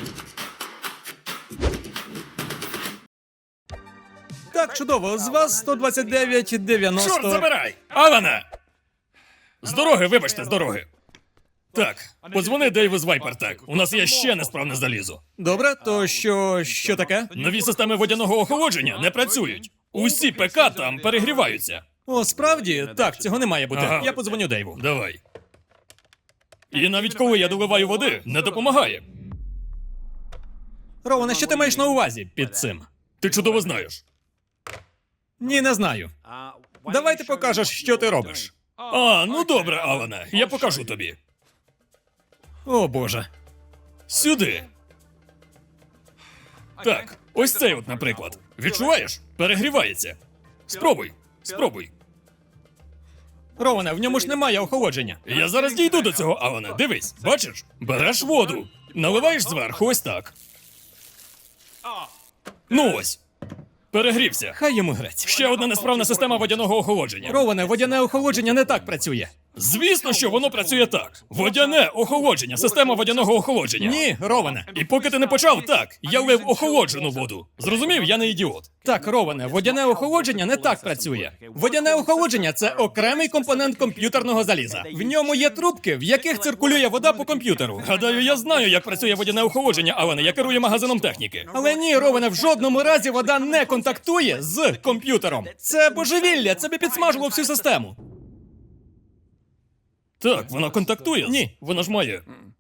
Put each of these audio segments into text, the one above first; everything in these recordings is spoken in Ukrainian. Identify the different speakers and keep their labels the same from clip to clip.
Speaker 1: Так, чудово, з вас 129,90.
Speaker 2: Чорт забирай! Алана! З дороги, вибачте, з дороги. Так, подзвони Дейву з Вайпертек. У нас є ще несправне залізо.
Speaker 1: Добре, то що таке?
Speaker 2: Нові системи водяного охолодження не працюють. Усі ПК там перегріваються.
Speaker 1: О, справді? Так, цього не має бути.
Speaker 2: Ага.
Speaker 1: Я подзвоню Дейву.
Speaker 2: Давай. І навіть коли я доливаю води, не допомагає.
Speaker 1: Роване, що ти маєш на увазі під цим?
Speaker 2: Ти чудово знаєш.
Speaker 1: Ні, не знаю. Давай ти покажеш, що ти робиш.
Speaker 2: А, ну добре, Алане, я покажу тобі.
Speaker 1: О, Боже.
Speaker 2: Сюди. Так, ось цей от, наприклад. Відчуваєш? Перегрівається. Спробуй, спробуй.
Speaker 1: Роване, в ньому ж немає охолодження.
Speaker 2: Я зараз дійду до цього, Алане. Дивись, бачиш? Береш воду, наливаєш зверху ось так. Ну ось. Перегрівся.
Speaker 1: Хай йому грець.
Speaker 2: Ще одна несправна система водяного охолодження.
Speaker 1: Роване, водяне охолодження не так працює.
Speaker 2: Звісно, що воно працює так. Водяне охолодження, система водяного охолодження.
Speaker 1: Ні, Роване.
Speaker 2: І поки ти не почав, так, я лив охолоджену воду. Зрозумів, я не ідіот.
Speaker 1: Так, Роване, водяне охолодження не так працює. Водяне охолодження це окремий компонент комп'ютерного заліза. В ньому є трубки, в яких циркулює вода по комп'ютеру.
Speaker 2: Гадаю, я знаю, як працює водяне охолодження, Алане, я керую магазином техніки.
Speaker 1: Але ні, Роване, в жодному разі вода не контактує з комп'ютером. Це божевілля, це би підсмажило всю систему.
Speaker 2: Так, вона контактує?
Speaker 1: Ні.
Speaker 2: Вона ж має.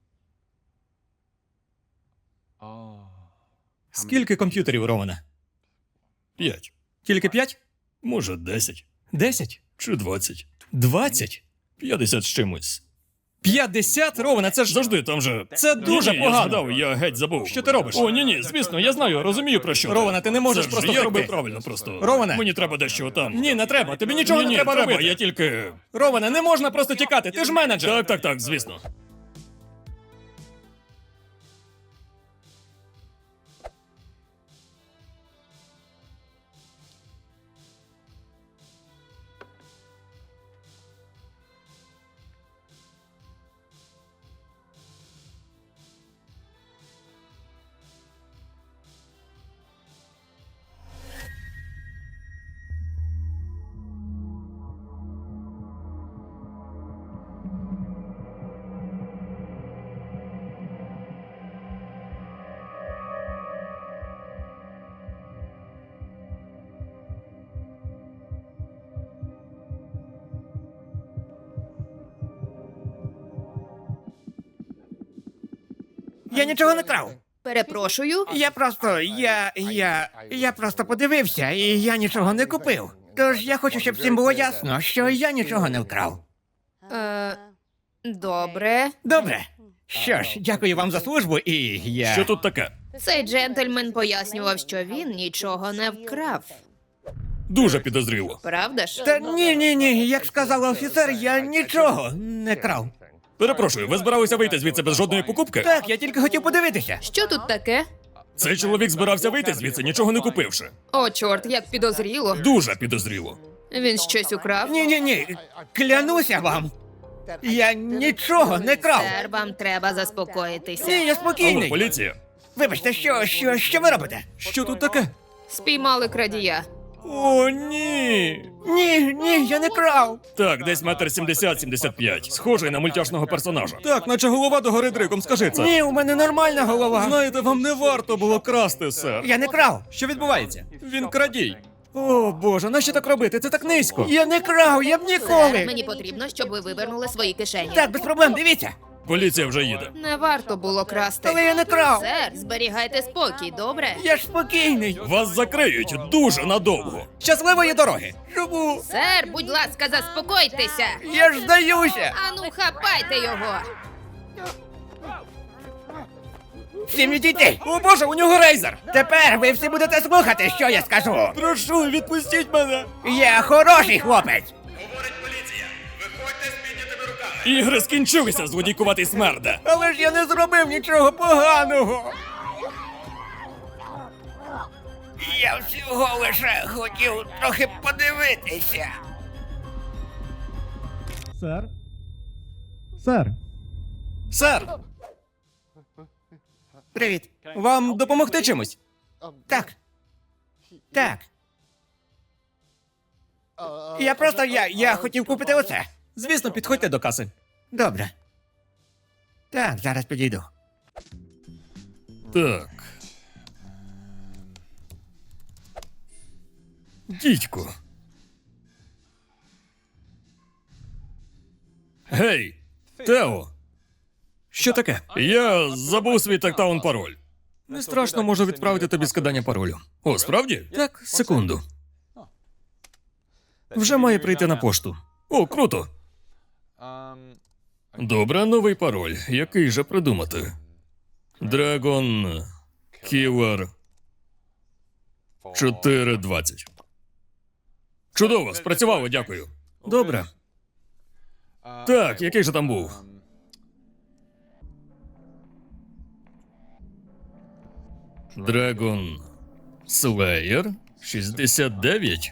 Speaker 1: Скільки комп'ютерів, Роване?
Speaker 2: 5.
Speaker 1: Тільки 5?
Speaker 2: Може, 10.
Speaker 1: 10?
Speaker 2: Чи 20.
Speaker 1: 20?
Speaker 2: 50 з чимось.
Speaker 1: 50, Роване, це ж...
Speaker 2: Завжди, там же...
Speaker 1: Це дуже
Speaker 2: Ні,
Speaker 1: погано.
Speaker 2: Я згадав, я геть забув.
Speaker 1: Що ти робиш?
Speaker 2: О, ні, звісно, я знаю, розумію про що.
Speaker 1: Роване, ти не можеш
Speaker 2: Це ж
Speaker 1: просто
Speaker 2: я
Speaker 1: втекти.
Speaker 2: робив правильно просто.
Speaker 1: Роване.
Speaker 2: Мені треба дещо там.
Speaker 1: Ні, не треба, тобі нічого
Speaker 2: Ні,
Speaker 1: не треба робити.
Speaker 2: я тільки...
Speaker 1: Роване, не можна просто тікати, ти ж менеджер.
Speaker 2: Так, звісно.
Speaker 3: Я нічого не крав.
Speaker 4: Перепрошую.
Speaker 3: Я просто подивився, і я нічого не купив. Тож я хочу, щоб всім було ясно, що я нічого не вкрав.
Speaker 4: Добре.
Speaker 3: Добре. Що ж, дякую вам за службу, і я...
Speaker 2: Що тут таке?
Speaker 4: Цей джентльмен пояснював, що він нічого не вкрав.
Speaker 2: Дуже підозріло.
Speaker 4: Правда ж?
Speaker 3: Та ні, як сказав офіцер, я нічого не крав.
Speaker 2: Перепрошую, ви збиралися вийти звідси без жодної покупки?
Speaker 3: Так, я тільки хотів подивитися.
Speaker 4: Що тут таке?
Speaker 2: Цей чоловік збирався вийти звідси, нічого не купивши.
Speaker 4: О, чорт, як підозріло.
Speaker 2: Дуже підозріло.
Speaker 4: Він щось украв?
Speaker 3: Ні, клянуся вам. Я нічого не крав.
Speaker 4: Сер, вам треба заспокоїтися.
Speaker 3: Ні, я
Speaker 2: Алло,
Speaker 3: спокійний.
Speaker 2: поліція.
Speaker 3: Вибачте, що ви робите?
Speaker 1: Що тут таке?
Speaker 4: Спіймали крадія.
Speaker 1: О, ні.
Speaker 3: Ні, я не крав.
Speaker 2: Так, десь 1,70 м. Схожий на мультяшного персонажа.
Speaker 1: Так, наче голова догори дриком, скажи це.
Speaker 3: Ні, у мене нормальна голова.
Speaker 1: Знаєте, вам не варто було красти, сер.
Speaker 3: Я не крав.
Speaker 1: Що відбувається? Він крадій. О, Боже, нащо так робити? Це так низько.
Speaker 3: Я не крав, я б
Speaker 4: Сер,
Speaker 3: ніколи.
Speaker 4: мені потрібно, щоб ви вивернули свої кишені.
Speaker 3: Так, без проблем, дивіться.
Speaker 2: Поліція вже їде.
Speaker 4: Не варто було красти.
Speaker 3: Але я не крав.
Speaker 4: Сер, зберігайте спокій, добре?
Speaker 3: Я ж спокійний.
Speaker 2: Вас закриють дуже надовго.
Speaker 1: Щасливої дороги!
Speaker 3: Чому?
Speaker 4: Сер, будь ласка, заспокойтеся.
Speaker 3: Я ж здаюся.
Speaker 4: Ану, хапайте його.
Speaker 3: Всім відійти.
Speaker 1: О, Боже, у нього рейзер!
Speaker 3: Тепер ви всі будете слухати, що я скажу.
Speaker 1: Прошу, відпустіть мене!
Speaker 3: Я хороший хлопець.
Speaker 2: Ігри скінчилися, злодійкуватий смерде.
Speaker 3: Але ж я не зробив нічого поганого. Я всього лише хотів трохи подивитися.
Speaker 1: Сер? Сер? Сер!
Speaker 3: Привіт.
Speaker 1: Вам допомогти чимось?
Speaker 3: Так. Так. Я хотів купити оце.
Speaker 1: Звісно, підходьте до каси.
Speaker 3: Добре. Так, зараз підійду.
Speaker 2: Так. Дідько. Гей, Тео,
Speaker 1: Що таке?
Speaker 2: я забув свій тактаун пароль.
Speaker 1: Не страшно, можу відправити тобі скидання паролю.
Speaker 2: О, справді?
Speaker 1: Так, секунду. Вже має прийти на пошту.
Speaker 2: О, круто. Добре, новий пароль. Який же придумати? Dragon Killer 420. Чудово, спрацювало, дякую.
Speaker 1: Добре.
Speaker 2: Так, який же там був? Dragon Slayer 69?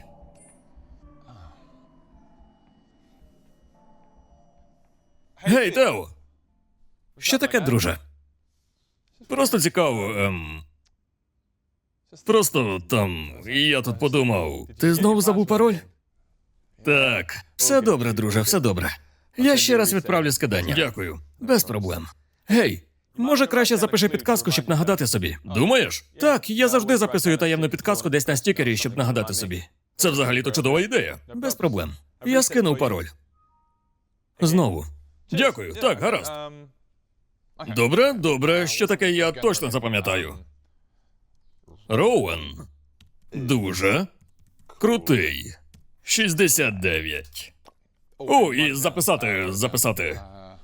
Speaker 2: Гей, Тео!
Speaker 1: Що таке, друже?
Speaker 2: Просто цікаво, Просто там, я тут подумав.
Speaker 1: Ти знову забув пароль?
Speaker 2: Так,
Speaker 1: Все добре, друже, все добре. Я ще раз відправлю скидання.
Speaker 2: дякую.
Speaker 1: Без проблем. Гей, може краще запиши підказку, щоб нагадати собі.
Speaker 2: Думаєш?
Speaker 1: Так, я завжди записую таємну підказку десь на стікері, щоб нагадати собі.
Speaker 2: Це взагалі-то чудова ідея.
Speaker 1: Без проблем. Я скинув пароль. Знову.
Speaker 2: Дякую, так, гаразд. Добре, добре, що таке я точно запам'ятаю. Роуен. Дуже крутий. 69. О, і записати.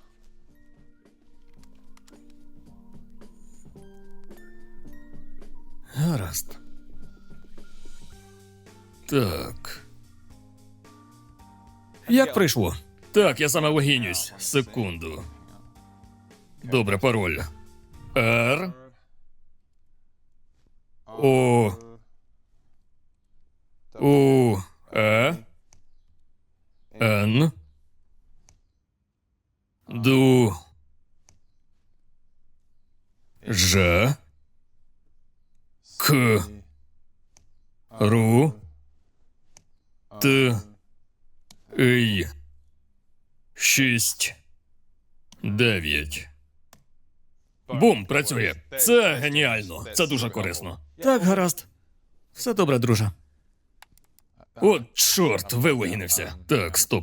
Speaker 1: Гаразд.
Speaker 2: Так.
Speaker 1: Як прийшло?
Speaker 2: Так, я саме логінюсь. Секунду. Добре, пароль. R. O. U. E. N. Ду. Ж. К. Ру. Т. Й. 6. 9. Бум, працює. Це геніально. Це дуже корисно.
Speaker 1: Так, гаразд. Все добре, друже.
Speaker 2: От, чорт, вилогінився. Так, стоп.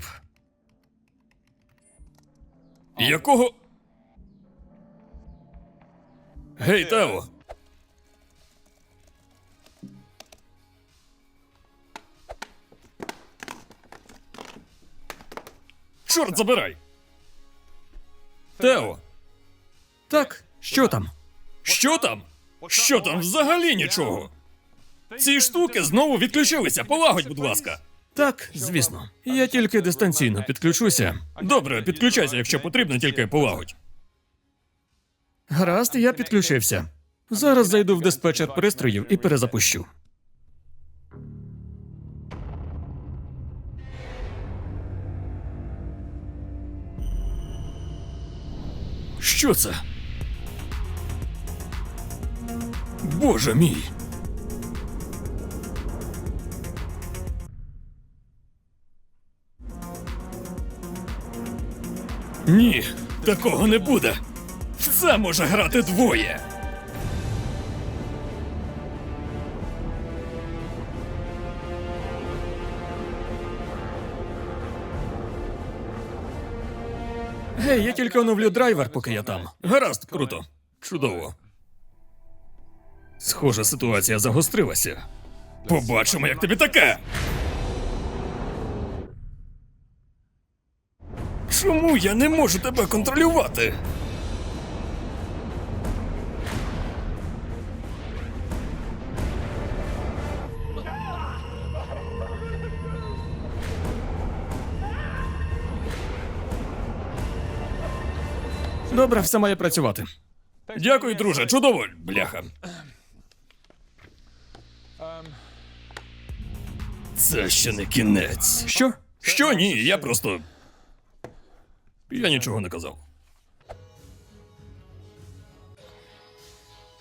Speaker 2: Якого? Гей, Тео. Чорт забирай. Тео,
Speaker 1: Так, що там?
Speaker 2: що там? Що там взагалі нічого? Ці штуки знову відключилися. Полагодь, будь ласка.
Speaker 1: Так, звісно. Я тільки дистанційно підключуся.
Speaker 2: Добре, підключайся, якщо потрібно, тільки полагодь.
Speaker 1: Гаразд, я підключився. Зараз зайду в диспетчер пристроїв і перезапущу.
Speaker 2: Що це? Боже мій. Ні, такого не буде. В це може грати двоє.
Speaker 1: Гей, я тільки оновлю драйвер, поки я там.
Speaker 2: Гаразд, круто. Чудово. Схоже, ситуація загострилася. Побачимо, як тобі таке. Чому я не можу тебе контролювати?
Speaker 1: Добре, все має працювати.
Speaker 2: Дякую, друже, чудово, бляха. Це ще не кінець.
Speaker 1: Що?
Speaker 2: Що ні, я просто. Я нічого не казав.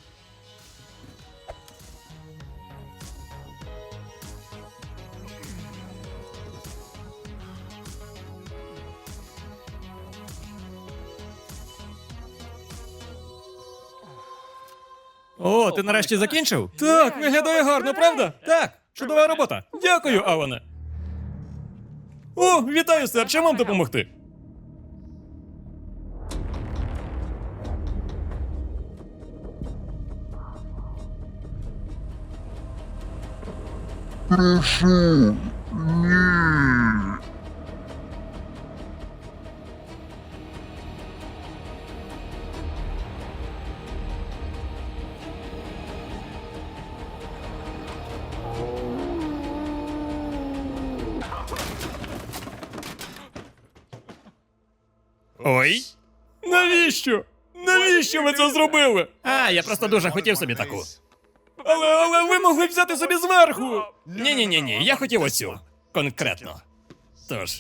Speaker 1: О, ти нарешті закінчив? Так, виглядає гарно, правда? Так, чудова робота. Дякую, Алане. О, вітаю, сер, чим вам допомогти?
Speaker 2: Ой. Навіщо? Навіщо ви це зробили?
Speaker 1: А, я просто дуже хотів собі таку.
Speaker 2: Але ви могли взяти собі зверху.
Speaker 1: Ні, я хотів оцю. Конкретно. Тож.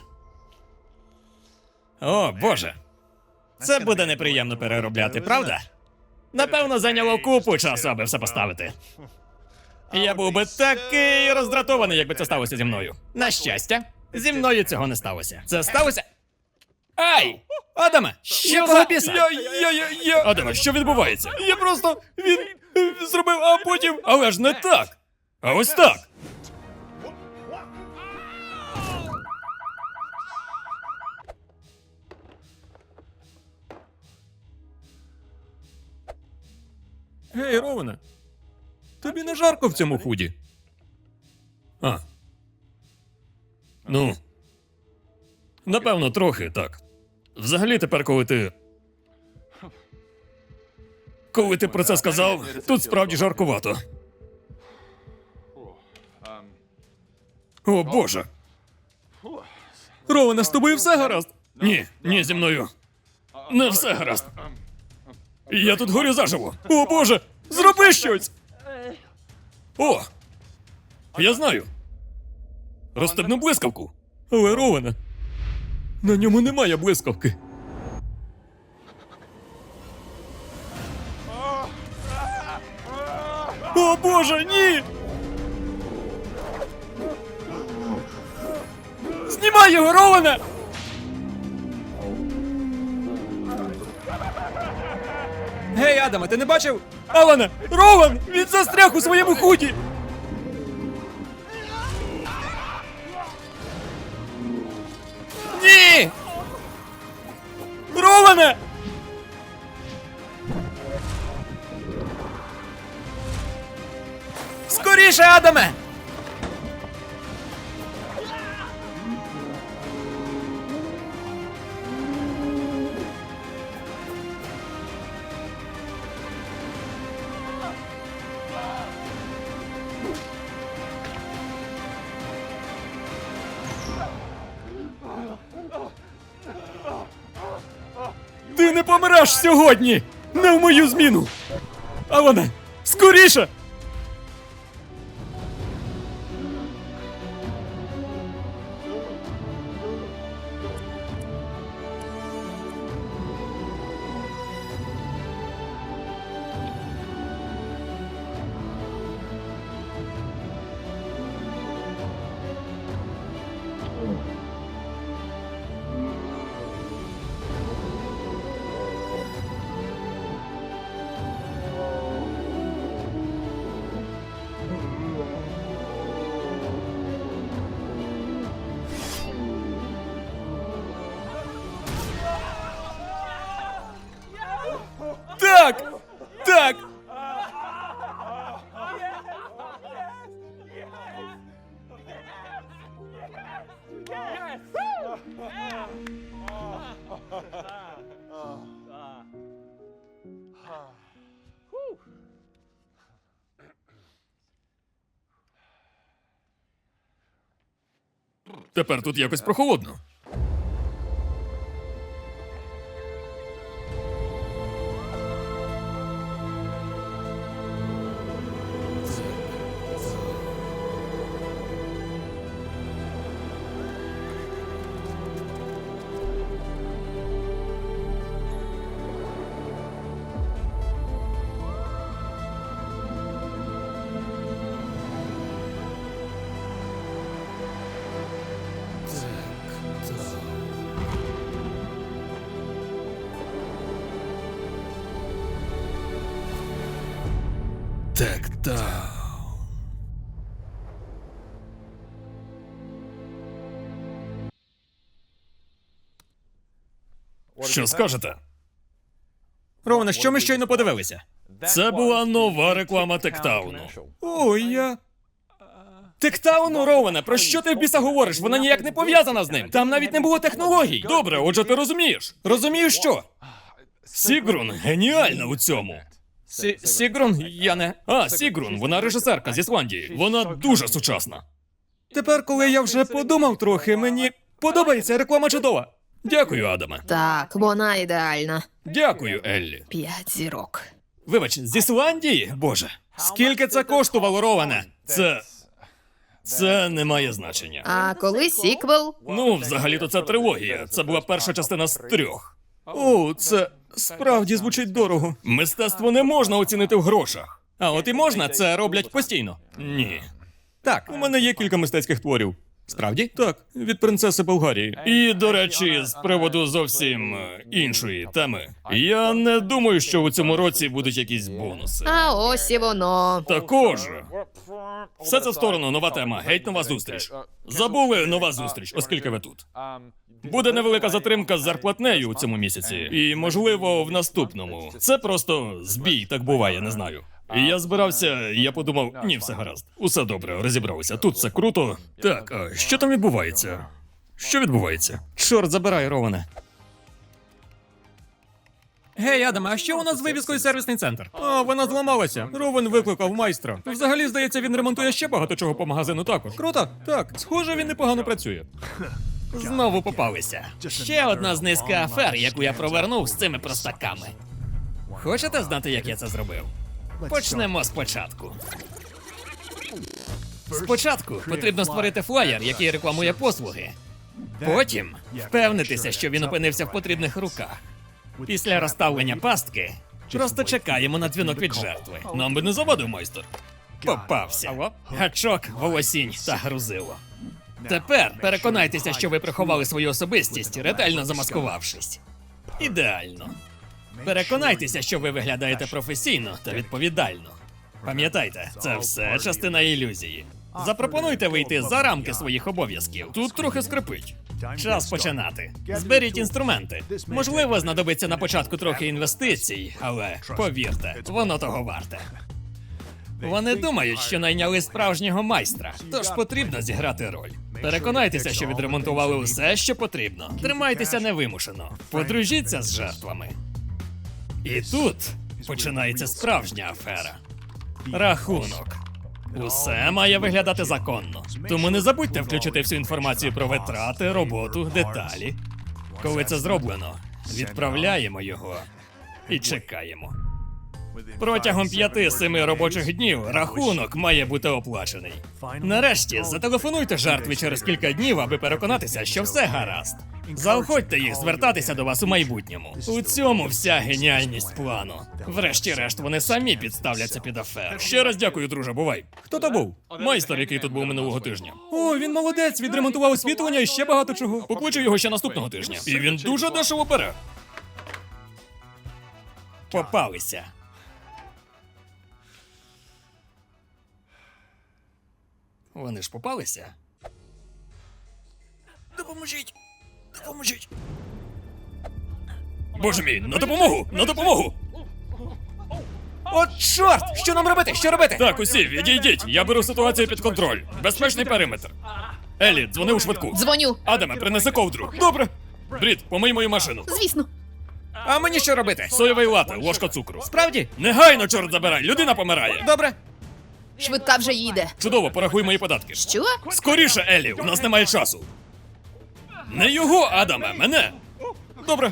Speaker 1: О, Боже. Це буде неприємно переробляти, правда? Напевно, зайняло купу часу, аби все поставити. Я був би такий роздратований, якби це сталося зі мною. На щастя, зі мною цього не сталося. Це сталося. Ай! Адаме! Якого біса?
Speaker 2: Адаме, що відбувається? Я просто. Він зробив, а потім.
Speaker 1: Але ж не так!
Speaker 2: А ось так.
Speaker 1: Гей, Роване, тобі не жарко в цьому худі?
Speaker 2: А. Ну. Напевно, трохи так. Взагалі, тепер, коли ти. Коли ти про це сказав, тут справді жаркувато. О, Боже.
Speaker 1: Роване, з тобою все гаразд?
Speaker 2: Ні, зі мною. Не все гаразд. Я тут горю заживо. О, Боже! Зроби щось! О! Я знаю. Розстебну блискавку.
Speaker 1: Але, Роване, на ньому немає блискавки.
Speaker 2: О, Боже, ні!
Speaker 1: Знімай його, Роване! Гей, Адаме, ти не бачив?
Speaker 2: Алане! Рован! Він застряг у своєму худі!
Speaker 1: Ні!
Speaker 2: Роване!
Speaker 1: Скоріше, Адаме!
Speaker 2: Ти не помреш сьогодні! Не в мою зміну! Алане! Скоріше! Так! Так! Тепер тут якось прохолодно. Тектаун. Що скажете?
Speaker 1: Роване, що ми щойно подивилися?
Speaker 2: Це була нова реклама Тектауну.
Speaker 1: Ой, я... Тектауну, Роване, про що ти в біса говориш? Вона ніяк не пов'язана з ним. Там навіть не було технологій.
Speaker 2: Добре, отже, ти розумієш.
Speaker 1: Розумію, що?
Speaker 2: Сігрун геніальна у цьому.
Speaker 1: Сігрун, я не...
Speaker 2: Сігрун, вона режисерка з Ісландії. Вона дуже сучасна.
Speaker 1: Тепер, коли я вже подумав трохи, мені подобається, реклама чудова.
Speaker 2: Дякую, Адаме.
Speaker 4: Так, вона ідеальна.
Speaker 2: Дякую, Еллі.
Speaker 4: 5 зірок.
Speaker 1: Вибач, з Ісландії? Боже, скільки це коштувало, Роване?
Speaker 2: Це не має значення.
Speaker 4: А коли сіквел?
Speaker 2: Ну, взагалі-то це трилогія. Це була перша частина з 3.
Speaker 1: О, це справді звучить дорого.
Speaker 2: Мистецтво не можна оцінити в грошах.
Speaker 1: А от і можна, це роблять постійно.
Speaker 2: Ні.
Speaker 1: Так, у мене є кілька мистецьких творів. Справді? Так, від принцеси Болгарії.
Speaker 2: І, до речі, з приводу зовсім іншої теми. Я не думаю, що у цьому році будуть якісь бонуси.
Speaker 4: А ось і воно.
Speaker 2: Також. Все це в сторону, нова тема. Геть нова зустріч. Забули нова зустріч, оскільки ви тут. Буде невелика затримка з зарплатнею у цьому місяці, і, можливо, в наступному. Це просто збій, так буває, не знаю. І я збирався, я подумав, ні, все гаразд. Усе добре, розібралися. Тут все круто. Так, а що там відбувається? Що відбувається?
Speaker 1: Чорт забирай, Роване. Гей, Адаме, а що у нас з вивіскою сервісний центр? О, вона зламалася. Ровен викликав майстра. Взагалі, здається, він ремонтує ще багато чого по магазину також. Круто? Так, схоже, він непогано працює. Знову попалися. Ще одна з низки афер, яку я провернув з цими простаками. Хочете знати, як я це зробив? Почнемо спочатку. Спочатку потрібно створити флаєр, який рекламує послуги. Потім впевнитися, що він опинився в потрібних руках. Після розставлення пастки просто чекаємо на дзвінок від жертви.
Speaker 2: Нам би не завадив майстер.
Speaker 1: Попався. Гачок, волосінь та грузило. Тепер переконайтеся, що ви приховали свою особистість, ретельно замаскувавшись. Ідеально. Переконайтеся, що ви виглядаєте професійно та відповідально. Пам'ятайте, це все частина ілюзії. Запропонуйте вийти за рамки своїх обов'язків.
Speaker 2: Тут трохи скрипить.
Speaker 1: Час починати. Зберіть інструменти. Можливо, знадобиться на початку трохи інвестицій, але повірте, воно того варте. Вони думають, що найняли справжнього майстра, тож потрібно зіграти роль. Переконайтеся, що відремонтували усе, що потрібно. Тримайтеся невимушено. Подружіться з жертвами. І тут починається справжня афера. Рахунок. Усе має виглядати законно. Тому не забудьте включити всю інформацію про витрати, роботу, деталі. Коли це зроблено, відправляємо його і чекаємо. Протягом 5-7 робочих днів рахунок має бути оплачений. Нарешті зателефонуйте жертві через кілька днів, аби переконатися, що все гаразд. Заохотьте їх звертатися до вас у майбутньому. У цьому вся геніальність плану. Врешті-решт, вони самі підставляться під аферу.
Speaker 2: Ще раз дякую, друже, бувай.
Speaker 1: Хто то був?
Speaker 2: Майстер, який тут був минулого тижня.
Speaker 1: О, він молодець, відремонтував освітлення і ще багато чого.
Speaker 2: Покличу його ще наступного тижня. І він дуже дешево бере.
Speaker 1: Попалися. Вони ж попалися.
Speaker 2: Допоможіть! Допоможіть! Боже мій, на допомогу! На допомогу!
Speaker 1: От чорт! Що нам робити? Що робити?
Speaker 2: Так, усі, відійдіть! Я беру ситуацію під контроль. Безпечний периметр. Елі, дзвони у швидку.
Speaker 4: Дзвоню.
Speaker 2: Адаме, принеси ковдру. Добре. Брід, помий мою машину.
Speaker 4: Звісно.
Speaker 1: А мені що робити?
Speaker 2: Соєвий лате, ложка цукру.
Speaker 1: Справді?
Speaker 2: Негайно, чорт забирай, людина помирає.
Speaker 1: Добре.
Speaker 4: Швидка вже їде.
Speaker 2: Чудово, порахуй мої податки.
Speaker 4: Що?
Speaker 2: Скоріше, Елі, у нас немає часу. Не його, Адаме, мене.
Speaker 1: Добре.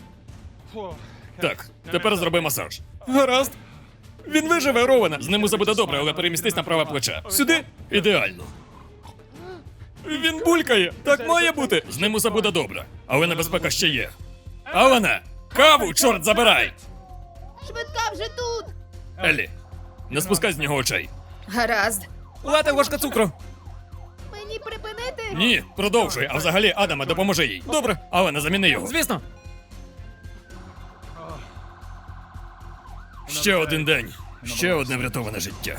Speaker 2: Так, тепер зроби масаж.
Speaker 1: Гаразд. Він виживе, Роване.
Speaker 2: З ним усе буде добре, але перемістись на праве плече.
Speaker 1: Сюди.
Speaker 2: Ідеально.
Speaker 1: Він булькає. Так має бути.
Speaker 2: З ним усе буде добре, але небезпека ще є. Алане, каву, чорт забирай!
Speaker 4: Швидка вже тут.
Speaker 2: Елі, не спускай з нього очей.
Speaker 4: Гаразд.
Speaker 1: Лате, ложка цукру.
Speaker 4: Мені припинити?
Speaker 2: Ні, продовжуй, а взагалі, Адаме, допоможи їй.
Speaker 1: Добре.
Speaker 2: Але не заміни його.
Speaker 1: Звісно.
Speaker 2: Ще один день, Ще одне врятоване життя.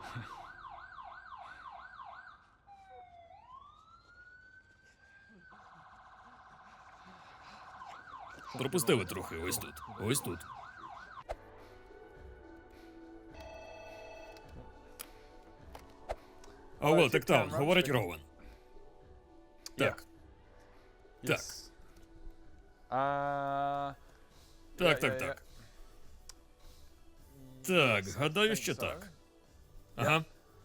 Speaker 2: Пропустили трохи, ось тут. Ось тут. Алло, Тектаун, говорить Роуен. Так. Так. Так. Так, гадаю, що так. Ага.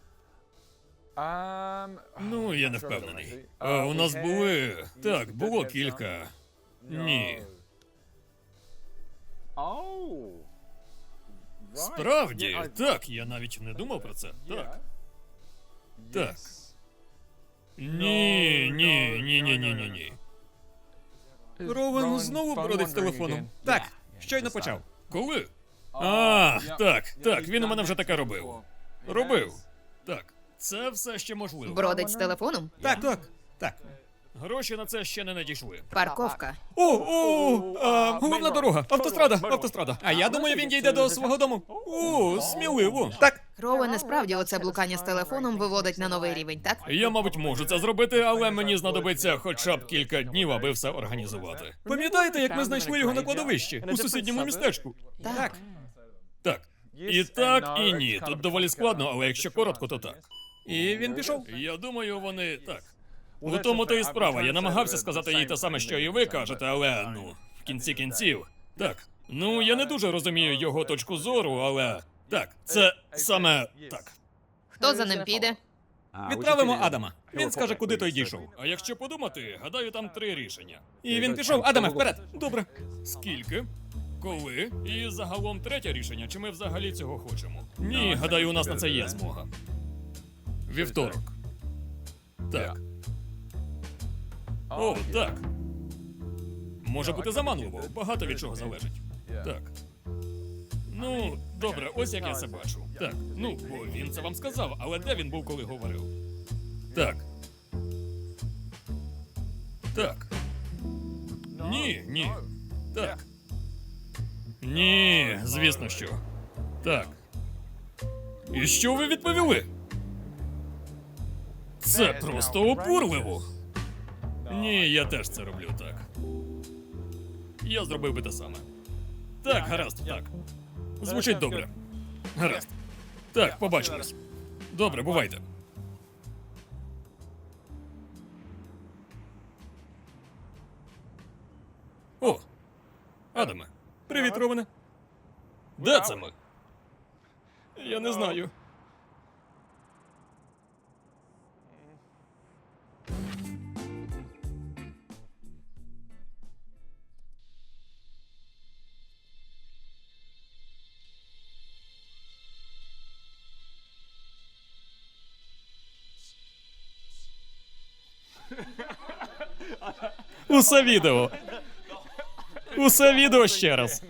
Speaker 2: Ну, я не впевнений. У нас були. Так, було кілька. Ні. Справді, так, я навіть не думав про це. Так. Так. Ні. Ровен знову бродить з телефоном.
Speaker 1: Так, щойно почав.
Speaker 2: Коли? Так, він у мене вже таке робив. Так, це все ще можливо.
Speaker 4: Бродить з телефоном?
Speaker 1: Так.
Speaker 2: Гроші на це ще не надійшли.
Speaker 4: Парковка.
Speaker 1: Головна дорога, автострада. А я думаю, він дійде до свого дому.
Speaker 2: Сміливо.
Speaker 1: Так,
Speaker 4: Роуене, справді оце блукання з телефоном виводить на новий рівень, так?
Speaker 2: Я, мабуть, можу це зробити, але мені знадобиться хоча б кілька днів, аби все організувати. Пам'ятаєте, як ми знайшли його на кладовищі у сусідньому містечку?
Speaker 4: Так.
Speaker 2: Так. І так, і ні. Тут доволі складно, але якщо коротко, то так.
Speaker 1: і він пішов.
Speaker 2: Я думаю, вони так. У тому то і справа. Я намагався сказати їй те саме, що і ви кажете, але в кінці кінців. Так. Я не дуже розумію його точку зору, але так, це саме так.
Speaker 4: Хто за ним піде?
Speaker 1: Відправимо Адама. Він скаже, куди той дійшов.
Speaker 2: А якщо подумати, гадаю, там 3 рішення.
Speaker 1: І він пішов. Адаме, вперед.
Speaker 2: Добре. Скільки? Коли? І загалом 3 рішення, чи ми взагалі цього хочемо? Ні, гадаю, у нас на це є змога. Вівторок. Так. Так. Може бути заманливо, багато від чого залежить. Так. Добре, ось як я це бачу. Так, бо він це вам сказав, але де він був, коли говорив? Так. Так. Ні. Так. Ні, звісно, що. Так. І що ви відповіли? Це просто обурливо. Ні, я теж це роблю так. Я зробив би те саме. Так, гаразд, так. Звучить добре. Гаразд. Так, побачимось. Добре, бувайте. Адаме. Привіт, Ровене. Де це ми? Я не знаю.
Speaker 1: Усе відео ще раз.